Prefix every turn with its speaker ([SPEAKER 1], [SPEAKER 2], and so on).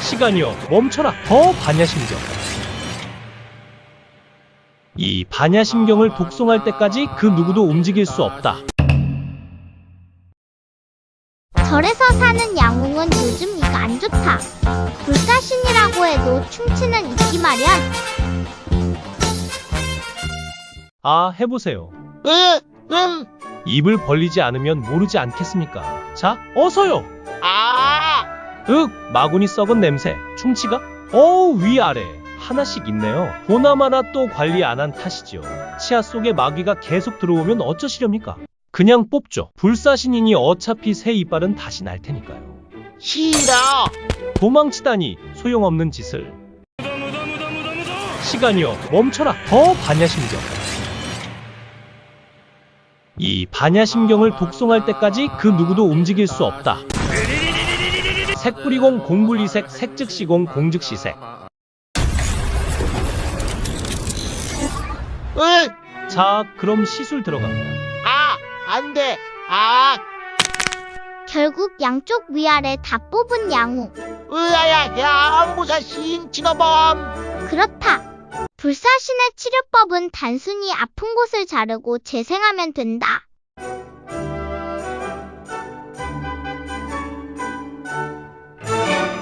[SPEAKER 1] 시간이여 멈춰라. 더 반야심경. 이 반야심경을 독송할 때까지 그 누구도 움직일 수 없다.
[SPEAKER 2] 절에서 사는 양웅은 요즘 이가 안 좋다. 불사신이라고 해도 충치는 있기 마련.
[SPEAKER 1] 아, 해보세요. 입을 벌리지 않으면 모르지 않겠습니까? 자, 어서요. 마구니 썩은 냄새. 충치가? 위아래 하나씩 있네요. 보나마나 또 관리 안 한 탓이지요. 치아 속에 마귀가 계속 들어오면 어쩌시렵니까? 그냥 뽑죠. 불사신이니 어차피 새 이빨은 다시 날 테니까요.
[SPEAKER 3] 싫어.
[SPEAKER 1] 도망치다니 소용없는 짓을. 시간이여 멈춰라. 더 반야심경. 이 반야심경을 독송할 때까지 그 누구도 움직일 수 없다. 색뿌리공 공불이색 색즉시공 공즉시색. 자, 그럼 시술 들어갑니다.
[SPEAKER 3] 안 돼.
[SPEAKER 2] 결국 양쪽 위아래 다 뽑은 양웅.
[SPEAKER 3] 으아야, 양무사신 진어범.
[SPEAKER 2] 그렇다. 불사신의 치료법은 단순히 아픈 곳을 자르고 재생하면 된다.